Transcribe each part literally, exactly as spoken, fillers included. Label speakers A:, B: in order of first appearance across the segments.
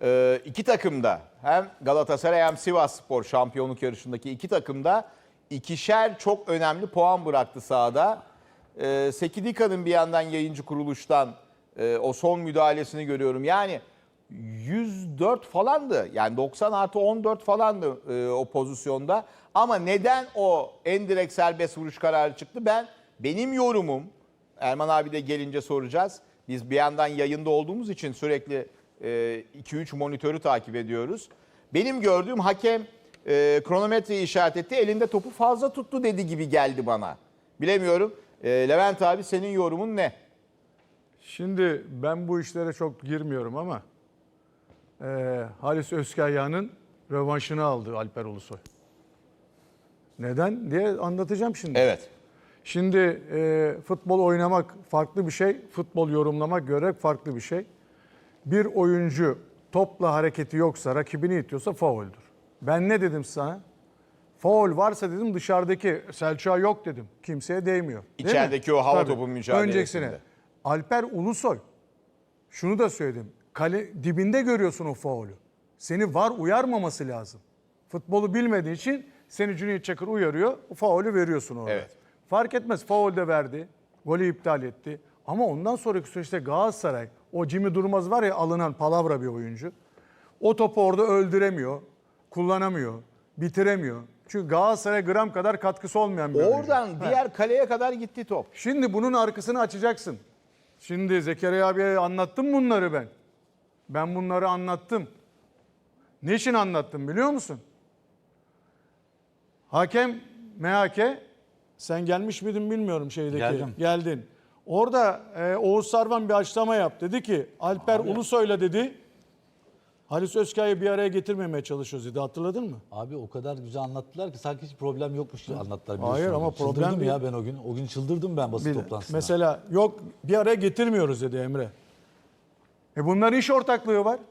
A: Ee, iki takım da hem Galatasaray hem Sivasspor şampiyonluk yarışındaki iki takım da ikişer çok önemli puan bıraktı sahada. Ee, Sekidika'nın bir yandan yayıncı kuruluştan e, o son müdahalesini görüyorum. Yani yüz dört falandı. Yani doksan artı on dört falandı e, o pozisyonda. Ama neden o endirekt serbest vuruş kararı çıktı? Ben benim yorumum, Erman abi de gelince soracağız. Biz bir yandan yayında olduğumuz için sürekli iki üç monitörü takip ediyoruz. Benim gördüğüm hakem e, kronometreyi işaret etti. Elinde topu fazla tuttu dedi gibi geldi bana. Bilemiyorum. E, Levent abi senin yorumun ne?
B: Şimdi ben bu işlere çok girmiyorum ama e, Halis Özkayya'nın rövanşını aldı Alper Ulusoy. Neden diye anlatacağım şimdi.
A: Evet.
B: Şimdi e, futbol oynamak farklı bir şey, futbol yorumlamak, görmek farklı bir şey. Bir oyuncu topla hareketi yoksa, rakibini itiyorsa fauldür. Ben ne dedim sana? Faul varsa dedim dışarıdaki Selçuk'a yok dedim. Kimseye değmiyor. Değil
A: İçerideki
B: mi?
A: o hava
B: Tabii.
A: topu mücadelesinde.
B: Öncesine. Alper Ulusoy. Şunu da söyledim. Kale dibinde görüyorsun o faulü. Seni var uyarmaması lazım. Futbolu bilmediğin için seni Cüneyt Çakır uyarıyor. O faulü veriyorsun orada.
A: Evet.
B: Fark etmez. Faul de verdi. Golü iptal etti. Ama ondan sonraki süreçte Galatasaray, o Jimmy Durmaz var ya alınan palavra bir oyuncu. O topu orada öldüremiyor, kullanamıyor, bitiremiyor. Çünkü Galatasaray gram kadar katkısı olmayan bir oyuncu.
A: Oradan diğer kaleye kadar gitti top.
B: Şimdi bunun arkasını açacaksın. Şimdi Zekeriya abiye anlattım bunları ben. Ben bunları anlattım. Ne için anlattım biliyor musun? Hakem M H K, sen gelmiş miydin bilmiyorum şeydeki.
C: Geldim.
B: Geldin. Orada e, Oğuz Sarvan bir açıklama yaptı. Dedi ki Alper
C: Abi.
B: Ulusoy'la dedi Halis Özkaya'yı bir araya getirmemeye çalışıyoruz dedi. Hatırladın mı?
C: Abi o kadar güzel anlattılar ki sanki hiç problem yokmuş gibi anlattılar. biliyorsun.
B: Hayır ama problem
C: Çıldırdım
B: değil.
C: ya ben o gün. O gün çıldırdım ben basın
B: Bir-
C: toplantısında.
B: Mesela yok bir araya getirmiyoruz dedi Emre. E bunların iş ortaklığı var.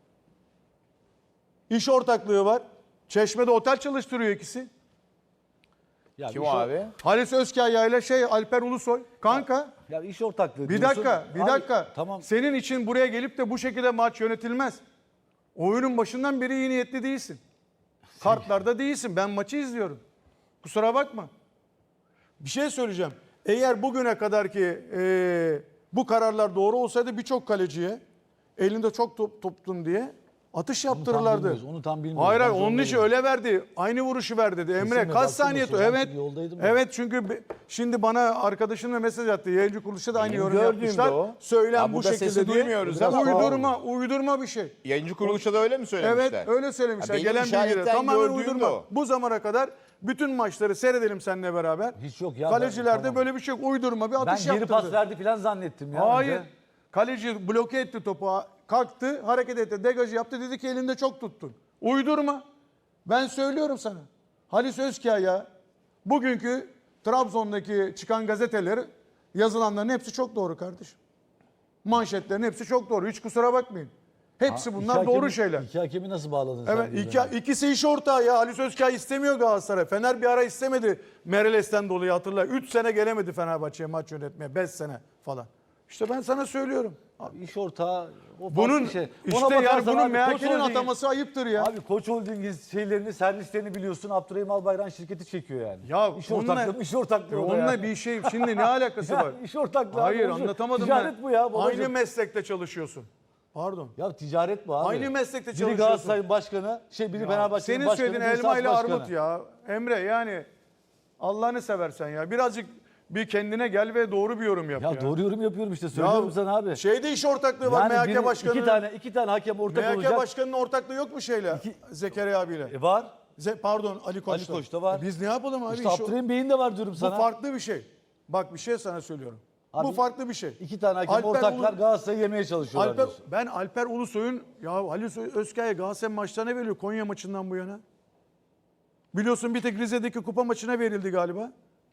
B: İş ortaklığı var. Çeşme'de otel çalıştırıyor ikisi.
C: ya
A: Kim
C: iş
A: o
C: or-
A: abi?
B: Halis Özkaya ile şey Alper Ulusoy. Kanka
C: Ya iş ortaklığı
B: bir
C: diyorsun.
B: dakika bir
C: Abi,
B: dakika.
C: Tamam.
B: Senin için buraya gelip de bu şekilde maç yönetilmez. Oyunun başından beri iyi niyetli değilsin. Kartlarda değilsin. Ben maçı izliyorum. Kusura bakma. Bir şey söyleyeceğim. Eğer bugüne kadar ki e, bu kararlar doğru olsaydı birçok kaleciye elinde çok top tuttun diye atış
C: Onu tam
B: yaptırırlardı.
C: bilmiyoruz, Onu tam bilmiyoruz.
B: Hayır hayır
C: Ben
B: onun için
C: zorundayım.
B: öyle verdi. Aynı vuruşu ver dedi. Emre
C: Kesinlikle,
B: kaç
C: baksana
B: saniye?
C: sonra, ben
B: Evet.
C: çünkü yoldaydım ya.
B: Evet çünkü be- şimdi bana arkadaşım da mesaj attı. Yayıncı kuruluşta da aynı
A: Benim
B: yorum
A: gördüğüm de
B: yapmışlar.
A: o.
B: Söylen
A: Ya
B: bu
A: burada
B: şekilde
A: sesi
B: diye.
A: duymuyoruz ama-
B: Uydurma, uydurma bir şey.
A: Yayıncı kuruluşa da öyle mi söylemişler?
B: Evet öyle söylemişler.
A: Ha, benim
B: Gelen bilgiler
A: işaretten
B: tamamen
A: gördüğüm de
B: uydurma.
A: o.
B: Bu zamana kadar bütün maçları seyredelim seninle beraber.
C: Hiç yok ya.
B: Kalecilerde
C: ben, tamam.
B: böyle bir şey yok. Uydurma bir
C: Ben
B: atış
C: geri
B: yaptırdı.
C: pas verdi falan zannettim ya.
B: Hayır.
C: önce.
B: Kaleci bloke etti topu. Kalktı, hareket etti, degajı yaptı. Dedi ki elinde çok tuttun. Uydurma. Ben söylüyorum sana. Halis Özkaya bugünkü Trabzon'daki çıkan gazeteleri yazılanların hepsi çok doğru kardeşim. Manşetlerin hepsi çok doğru. Hiç kusura bakmayın. Hepsi
C: Ha,
B: bunlar
C: iki
B: doğru
C: hakemi-
B: şeyler.
C: İki hakemi nasıl bağladın sen?
B: Evet
C: birbirine?
B: iki, ikisi iş ortağı ya. Halis Özkaya istemiyor Galatasaray. Fener bir ara istemedi. Mereles'ten dolayı hatırla. üç sene gelemedi Fenerbahçe'ye maç yönetmeye. beş sene falan. İşte ben sana söylüyorum.
C: Abi iş ortağı o farklı
B: Bunun
C: bir şey. Ona
B: işte yani
C: bakarsan
B: bunun
C: abi,
B: M H
C: Koç
B: K'nin
C: Holding-
B: ataması ayıptır ya.
C: Abi Koç Holding'in şeylerini, servislerini biliyorsun. Abdurrahim Albayrak şirketi çekiyor yani.
B: Ya
C: iş
B: onunla-
C: ortaklığı, iş ortaklığı o da
B: Onunla
C: ya.
B: bir şey şimdi ne alakası
C: Ya
B: var?
C: iş ortaklığı.
B: Hayır
C: abi,
B: anlatamadım
C: Ticaret
B: ben.
C: bu ya babacığım.
B: Aynı meslekte çalışıyorsun. Pardon.
C: Ya ticaret bu abi.
B: Aynı meslekte
C: Biri
B: çalışıyorsun.
C: Galatasaray'ın başkanı, şey biri Fenerbahçe'nin
B: Senin
C: başkanı,
B: söylediğin
C: biri
B: elma ile
C: Sivas başkanı.
B: armut ya. Emre yani Allah'ını seversen ya. Birazcık bir kendine gel ve doğru bir yorum yap ya.
C: Ya doğru yorum yapıyorum işte söylüyorum sana abi.
B: Şeyde iş ortaklığı var M H K
C: biri-
B: Başkanı'nın.
C: iki tane iki tane hakem ortak
B: M H K
C: olacak.
B: Başkanı'nın ortaklığı yok mu şeyle? Zekeriya abiyle.
C: E var.
B: Ze- pardon Ali Koç'ta.
C: Ali Koç'ta var.
B: E biz ne yapalım abi?
C: İşte
B: İş-
C: Abdurrahim Bey'in de var diyorum
B: Bu
C: sana.
B: farklı bir şey. Bak bir şey sana söylüyorum.
C: Abi,
B: Bu farklı bir şey.
C: İki tane hakem
B: Alper
C: ortaklar
B: Ulu-
C: Galatasaray'ı yemeye çalışıyorlar
B: Alper,
C: diyorsun.
B: ben Alper Ulusoy'un ya Ali Özkaya Galatasaray maçlarına veriyor Konya maçından bu yana. Biliyorsun bir tek Rize'deki kupa maçına verildi galiba.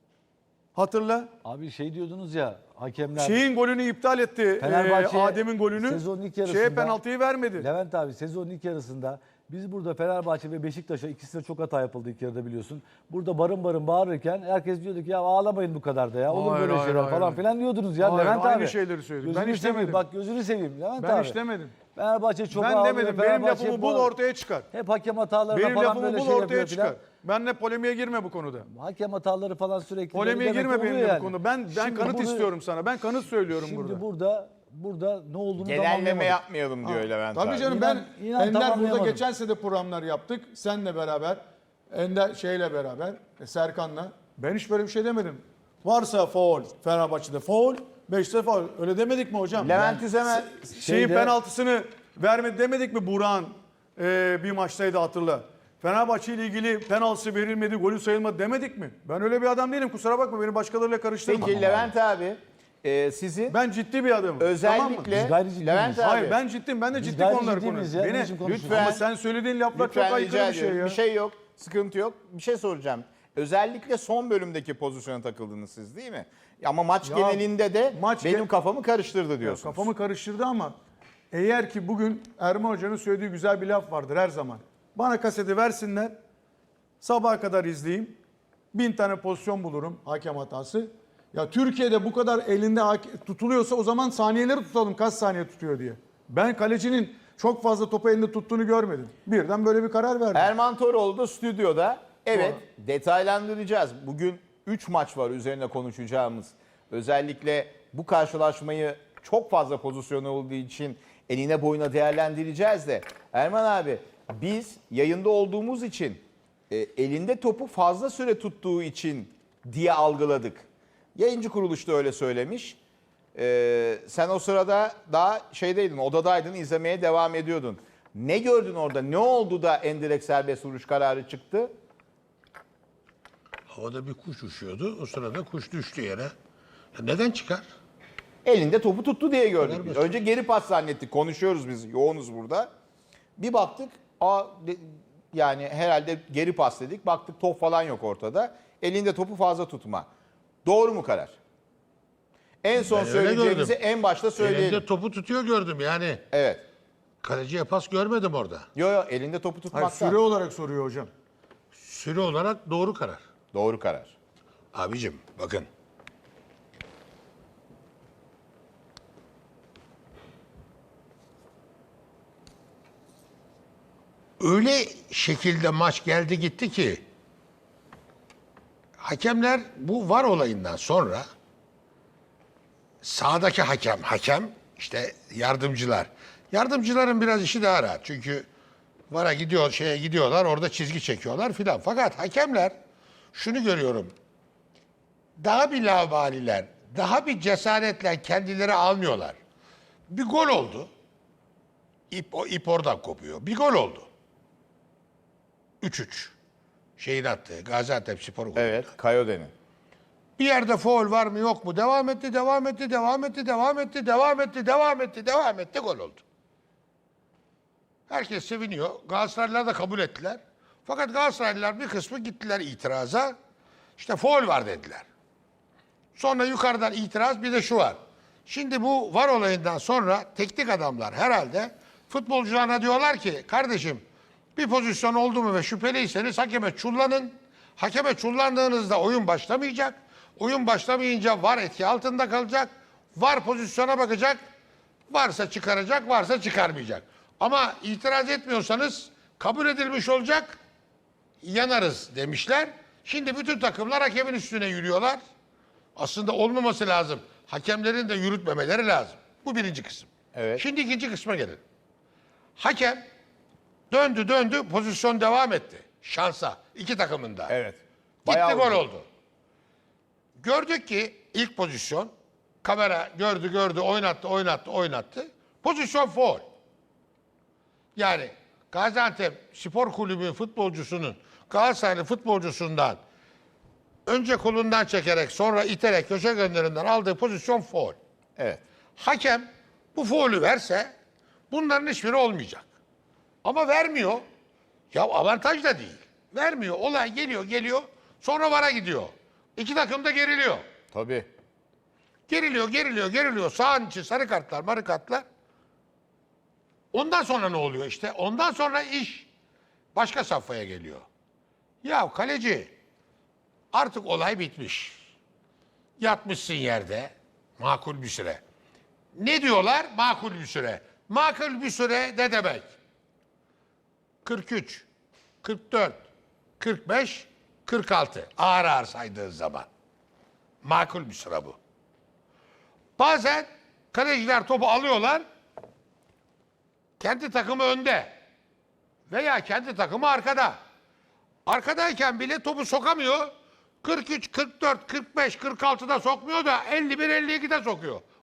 B: Hatırla.
C: Abi şey diyordunuz ya hakemler.
B: Şeyin golünü iptal etti.
C: Fenerbahçe
B: e, Adem'in golünü.
C: sezonun ilk yarısında-
B: Şeye penaltıyı vermedi.
C: Levent abi sezonun ilk yarısında biz burada Fenerbahçe ve Beşiktaş'a ikisine çok hata yapıldı ilk yarıda biliyorsun. Burada barın barın bağırırken herkes diyordu ki ya ağlamayın bu kadar da ya. Olur
B: Hayır,
C: böyle
B: hayır,
C: şeyler
B: hayır,
C: falan
B: hayır.
C: filan diyordunuz ya
B: Hayır,
C: Levent
B: aynı
C: abi.
B: şeyleri söyledik. Ben
C: Gözünü
B: hiç
C: seveyim,
B: demedim.
C: Bak gözünü seveyim Levent
B: Ben
C: abi.
B: hiç demedim.
C: Fenerbahçe çok
B: Ben
C: ağlıyor.
B: demedim. Benim
C: Fenerbahçe
B: lafımı
C: bu-
B: bul ortaya çıkar.
C: Hep hakem hatalarına
B: Benim
C: falan
B: lafımı
C: böyle
B: bul
C: şey
B: ortaya
C: yapıyor
B: çıkar.
C: filan.
B: Benle polemiğe girme bu konuda.
C: Hakem hataları falan sürekli.
B: Polemiğe
C: böyle demek
B: girme
C: oluyor
B: benimle
C: yani.
B: bu konuda. Ben ben
C: Şimdi
B: kanıt
C: burada-
B: istiyorum sana. Ben kanıt söylüyorum
C: Şimdi
B: burada.
C: burada burada ne olduğunu tam
A: Genelleme
C: anlayamadım.
A: yapmayalım diyor Levent
B: Tabii
A: abi.
B: canım
C: İnan-
B: ben
C: inan
B: Ender burada
C: tamamlayamadım.
B: geçen sene de programlar yaptık. Senle beraber, Ender şeyle beraber, e, Serkan'la. Ben hiç böyle bir şey demedim. Varsa faul Fenerbahçe'de faul, Beşiktaş'ta faul. Öyle demedik mi hocam?
A: Levent Üzemen
B: Şeyin
C: Şeyde-
B: penaltısını vermedi demedik mi Burak'ın e, bir maçtaydı hatırla. Fenerbahçe ile ilgili penaltısı verilmedi, golü sayılmadı demedik mi? Ben öyle bir adam değilim, kusura bakma, beni başkalarıyla karıştırma.
A: Peki Levent abi e, sizin
B: Ben ciddi bir adamım. Tamam mı?
A: özellikle
C: Biz gayri ciddi
A: Levent
C: miyiz?
A: abi
B: Hayır ben ciddiyim. Ben de
C: Biz
B: ciddi
C: gayri
B: konuları
C: ciddi miyiz
B: konuşuyorum.
C: ya?
B: Beni,
C: Ne biçim konuşuyorsun?
A: lütfen
B: ama sen söylediğin laflar
A: lütfen
B: çok
A: rica
B: aykırı bir şey
A: ediyorum.
B: ya.
A: Bir şey yok. Sıkıntı yok. Bir şey soracağım. Özellikle son bölümdeki pozisyona takıldınız siz değil mi? Ama maç
B: Ya,
A: genelinde de
B: maç
A: benim
B: gen-
A: kafamı karıştırdı diyorsunuz.
B: Kafamı karıştırdı ama eğer ki bugün Erman Hoca'nın söylediği güzel bir laf vardır her zaman. Bana kaseti versinler, sabaha kadar izleyeyim, bin tane pozisyon bulurum hakem hatası. Ya Türkiye'de bu kadar elinde hake- tutuluyorsa o zaman saniyeleri tutalım, kaç saniye tutuyor diye. Ben kalecinin çok fazla topu elinde tuttuğunu görmedim. Birden böyle bir karar verdim.
A: Erman Toroğlu da stüdyoda. Evet, detaylandıracağız. Bugün üç maç var üzerine konuşacağımız. Özellikle bu karşılaşmayı çok fazla pozisyon olduğu için eline boyuna değerlendireceğiz de. Erman abi, biz yayında olduğumuz için e, elinde topu fazla süre tuttuğu için diye algıladık. Yayıncı kuruluş da öyle söylemiş. E, sen o sırada daha şeydeydin, odadaydın, izlemeye devam ediyordun. Ne gördün orada? Ne oldu da endirekt serbest vuruş kararı çıktı?
D: Havada bir kuş uçuyordu. O sırada kuş düştü yere. Ya neden çıkar?
A: Elinde topu tuttu diye gördük
D: Kadar
A: biz.
D: basit.
A: Önce geri pas zannettik. Konuşuyoruz biz. Yoğunuz burada. Bir baktık. Aa, de- yani herhalde geri pas dedik. Baktık top falan yok ortada. Elinde topu fazla tutma. Doğru mu karar? En son
D: Ben öyle
A: söyleyeceğimizi
D: gördüm.
A: en başta söyleyelim.
D: Elinde topu tutuyor gördüm yani.
A: Evet.
D: Kaleciye pas görmedim orada.
A: Yo yo elinde topu
B: Hayır,
A: tutmakta.
B: süre olarak soruyor hocam.
D: Süre olarak doğru karar.
A: Doğru karar.
D: Abicim bakın. Öyle şekilde maç geldi gitti ki hakemler bu var olayından sonra sahadaki hakem, hakem işte yardımcılar. Yardımcıların biraz işi daha rahat. Çünkü vara gidiyor, şeye gidiyorlar, orada çizgi çekiyorlar filan. Fakat hakemler şunu görüyorum. Daha bir laubaliler, daha bir cesaretle kendileri almıyorlar. Bir gol oldu. İp, o ip oradan kopuyor. Bir gol oldu. üç üç. Şeyin attığı, Gaziantep Spor golü.
A: Evet. Kayode'nin.
D: Bir yerde faul var mı yok mu? Devam etti, devam etti, devam etti, devam etti, devam etti, devam etti, devam etti, gol oldu. Herkes seviniyor. Galatasaraylılar da kabul ettiler. Fakat Galatasaraylılar bir kısmı gittiler itiraza. İşte faul var dediler. Sonra yukarıdan itiraz, bir de şu var. Şimdi bu var olayından sonra teknik adamlar herhalde futbolcularına diyorlar ki kardeşim bir pozisyon oldu mu ve şüpheliyseniz hakeme çullanın. Hakeme çullandığınızda oyun başlamayacak. Oyun başlamayınca var etki altında kalacak. Var pozisyona bakacak. Varsa çıkaracak, varsa çıkarmayacak. Ama itiraz etmiyorsanız kabul edilmiş olacak. Yanarız demişler. Şimdi bütün takımlar hakemin üstüne yürüyorlar. Aslında olmaması lazım. Hakemlerin de yürütmemeleri lazım. Bu birinci kısım.
A: Evet.
D: Şimdi ikinci kısma gelelim. Hakem döndü döndü pozisyon devam etti. Şansa. iki takımında.
A: Evet.
D: Gitti
A: Bayağı
D: gol
A: uzun.
D: oldu. Gördük ki ilk pozisyon kamera gördü gördü oynattı oynattı oynattı. Pozisyon faul. Yani Gaziantep Spor Kulübü futbolcusunun Galatasaraylı futbolcusundan önce kolundan çekerek sonra iterek köşe gönderinden aldığı pozisyon faul.
A: Evet.
D: Hakem bu faulü verse bunların hiçbiri olmayacak. Ama vermiyor. Ya avantaj da değil. Vermiyor. Olay geliyor geliyor. Sonra vara gidiyor. İki takım da geriliyor.
A: Tabii.
D: Geriliyor, geriliyor, geriliyor. Sağın içi sarı kartlar, marı kartlar. Ondan sonra ne oluyor işte? Ondan sonra iş başka safhaya geliyor. Ya kaleci artık olay bitmiş. Yatmışsın yerde makul bir süre. Ne diyorlar? Makul bir süre. makul bir süre ne demek? kırk üç, kırk dört, kırk beş, kırk altı. Ağır ağır saydığın zaman. Makul bir süre bu. Bazen kaleciler topu alıyorlar. Kendi takımı önde. Veya kendi takımı arkada. Arkadayken bile topu sokamıyor. kırk üç, kırk dört, kırk beş, kırk altıda sokmuyor da elli bir, elli ikide sokuyor.